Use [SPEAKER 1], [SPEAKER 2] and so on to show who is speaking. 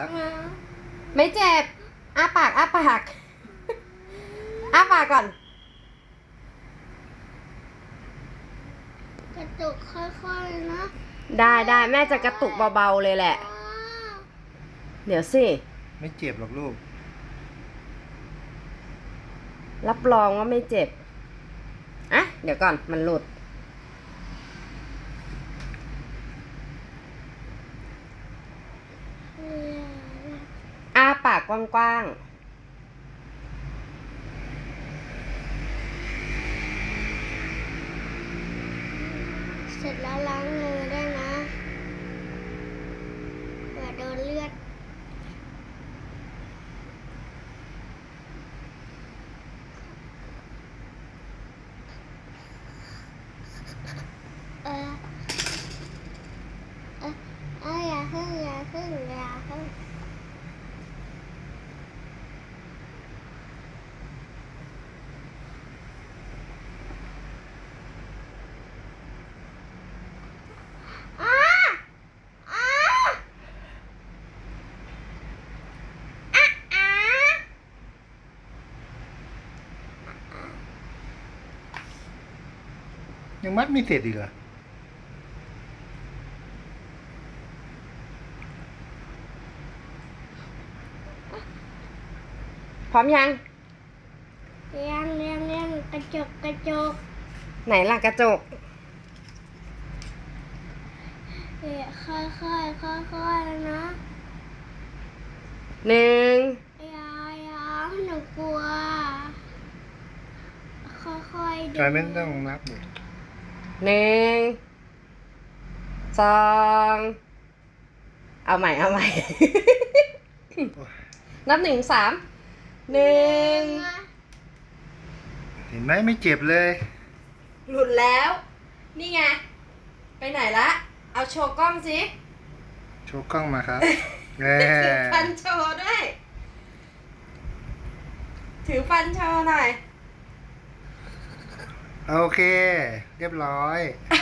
[SPEAKER 1] แล้ว
[SPEAKER 2] ไม่เจ็บอ้าปากอ้าปากอ้าปากก่อน
[SPEAKER 3] กระตุกค่อยๆนะ
[SPEAKER 2] ได้แม่จะกระตุกเบาๆเลยแหละ เดี๋ยวสิ
[SPEAKER 1] ไม่เจ็บหรอกลูก
[SPEAKER 2] รับรองว่าไม่เจ็บอ่ะเดี๋ยวก่อนมันหลุดอ้าปากกว้างๆ
[SPEAKER 3] เสร็จแล้วล้างมือได้วยนะเผื่อโดนเลือดเอออย่าพึ่งอ้าอ้าอ้า
[SPEAKER 1] ยังมัดไม่เสร็จอีกเหรอ
[SPEAKER 2] พร้อมยัง
[SPEAKER 3] ยังกระจก
[SPEAKER 2] ไหนล่ะกระจก
[SPEAKER 3] ค่อยนะ
[SPEAKER 2] หนึ่ง
[SPEAKER 3] อย่าหนูกลัวค่อยๆดู
[SPEAKER 1] จอยไม่ต้องนับหมด
[SPEAKER 2] หนึ่งสองเอาใหม่ นับหนึ่งสามหนึ่ง
[SPEAKER 1] เห็นไหมไม่เจ็บเลย
[SPEAKER 2] หลุดแล้ว นี่ไง ไปไหนละ เอาโชว์กล้องสิ
[SPEAKER 1] โชว์กล้องมาครับ
[SPEAKER 2] ถือฟันโชว์ด้วย ถือฟันโชว์หน่อย
[SPEAKER 1] โอเค เรียบร้อย